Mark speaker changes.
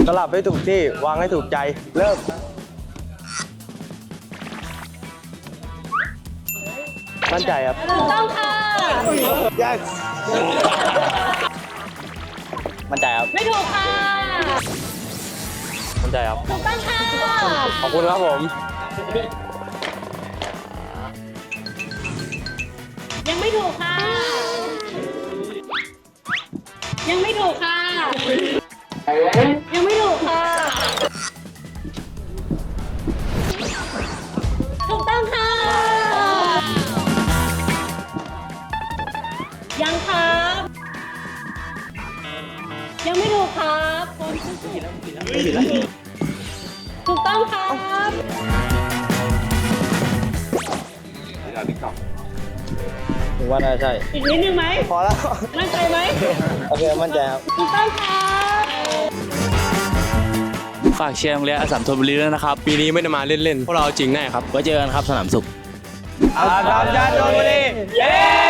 Speaker 1: สลับให้ถูกที่วางให้ถูกใจเริ่มมั่นใจครับ
Speaker 2: ถูกต้องค่ะ
Speaker 1: yes มั่นใจครับ
Speaker 2: ไม่ถูกค่ะ
Speaker 1: มั่นใจครับ
Speaker 2: ถูกต้องค่ะ
Speaker 1: ขอบคุณครับผม
Speaker 2: ยังไม่ถูกค่ะ ยังไม่ถูกค่ะ ยังไม่ถูกค่ะ ถูกต้องค่ะ ยังครับ ยังไม่ถูกครับคนถูกต้องครับ
Speaker 1: ผมว่าน่าใช่
Speaker 2: อีกนิดนึงไหม
Speaker 1: พอแล้ว
Speaker 2: มั่นใจไหม
Speaker 1: โอเคมั่นใจครับ
Speaker 2: ถูกต้องครับ
Speaker 3: ฝากเชียร์โรงเรียนอัสสัมธนบุรีด้วยนะครับ
Speaker 4: ปีนี้ไม่ได้มาเล่นๆ พวกเราเอาจริงแน่ครับ
Speaker 3: ไว้เจอกันครับสนามสุข
Speaker 1: อาสามชาติชลบุรีเย้